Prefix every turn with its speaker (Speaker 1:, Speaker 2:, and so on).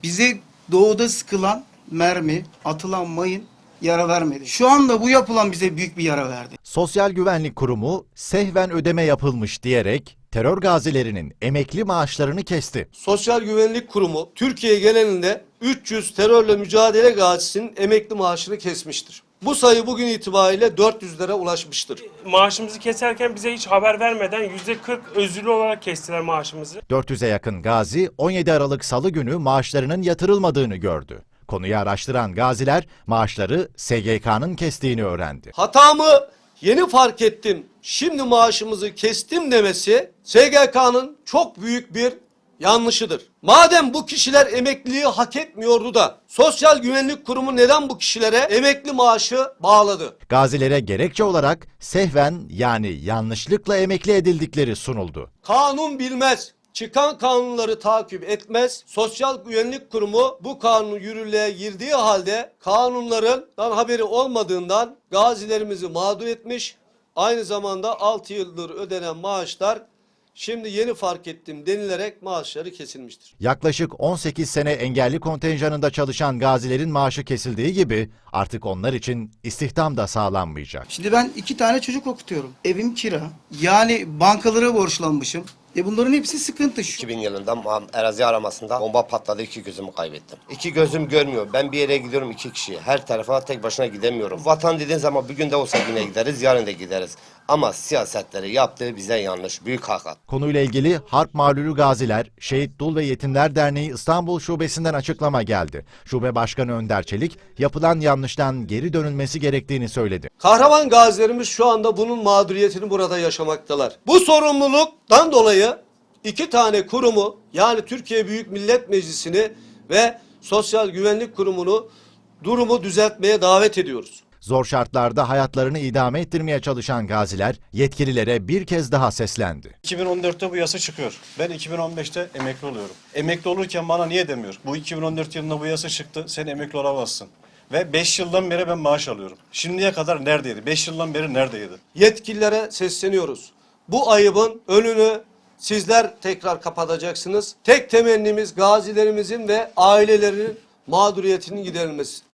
Speaker 1: Bize doğuda sıkılan mermi, atılan mayın yara vermedi. Şu anda bu yapılan bize büyük bir yara verdi.
Speaker 2: Sosyal Güvenlik Kurumu sehven ödeme yapılmış diyerek terör gazilerinin emekli maaşlarını kesti.
Speaker 3: Sosyal Güvenlik Kurumu Türkiye genelinde 300 terörle mücadele gazisinin emekli maaşını kesmiştir. Bu sayı bugün itibariyle 400'lere ulaşmıştır.
Speaker 4: Maaşımızı keserken bize hiç haber vermeden %40 özürlü olarak kestiler maaşımızı.
Speaker 2: 400'e yakın gazi 17 Aralık Salı günü maaşlarının yatırılmadığını gördü. Konuyu araştıran gaziler maaşları SGK'nın kestiğini öğrendi.
Speaker 3: Hatamı yeni fark ettim, şimdi maaşımızı kestim demesi SGK'nın çok büyük bir yanlışıdır. Madem bu kişiler emekliliği hak etmiyordu da Sosyal Güvenlik Kurumu neden bu kişilere emekli maaşı bağladı?
Speaker 2: Gazilere gerekçe olarak sehven yani yanlışlıkla emekli edildikleri sunuldu.
Speaker 3: Kanun bilmez, çıkan kanunları takip etmez. Sosyal Güvenlik Kurumu bu kanun yürürlüğe girdiği halde kanunlarından haberi olmadığından gazilerimizi mağdur etmiş. Aynı zamanda 6 yıldır ödenen maaşlar şimdi yeni fark ettim denilerek maaşları kesilmiştir.
Speaker 2: Yaklaşık 18 sene engelli kontenjanında çalışan gazilerin maaşı kesildiği gibi artık onlar için istihdam da sağlanmayacak.
Speaker 1: Şimdi ben 2 tane çocuk okutuyorum. Evim kira. Yani bankalara borçlanmışım. Bunların hepsi sıkıntı.
Speaker 5: 2000 yılında Erazi aramasında bomba patladı, 2 gözümü kaybettim. 2 gözüm görmüyor. Ben bir yere gidiyorum 2 kişi. Her tarafa tek başına gidemiyorum. Vatan dediğin zaman bugün de olsa yine gideriz, yarın da gideriz. Ama siyasetleri yaptığı bize yanlış, büyük hakikat.
Speaker 2: Konuyla ilgili Harp Mağlulü Gaziler, Şehit Dul ve Yetimler Derneği İstanbul Şubesi'nden açıklama geldi. Şube Başkanı Önder Çelik, yapılan yanlıştan geri dönülmesi gerektiğini söyledi.
Speaker 3: Kahraman gazilerimiz şu anda bunun mağduriyetini burada yaşamaktalar. Bu sorumluluktan dolayı 2 tane kurumu, yani Türkiye Büyük Millet Meclisi'ni ve Sosyal Güvenlik Kurumu'nu durumu düzeltmeye davet ediyoruz.
Speaker 2: Zor şartlarda hayatlarını idame ettirmeye çalışan gaziler yetkililere bir kez daha seslendi.
Speaker 6: 2014'te bu yasa çıkıyor. Ben 2015'te emekli oluyorum. Emekli olurken bana niye demiyor? Bu 2014 yılında bu yasa çıktı, sen emekli olamazsın. Ve 5 yıldan beri ben maaş alıyorum. Şimdiye kadar neredeydi? 5 yıldan beri neredeydi?
Speaker 3: Yetkililere sesleniyoruz. Bu ayıbın önünü sizler tekrar kapatacaksınız. Tek temennimiz gazilerimizin ve ailelerinin mağduriyetinin giderilmesi.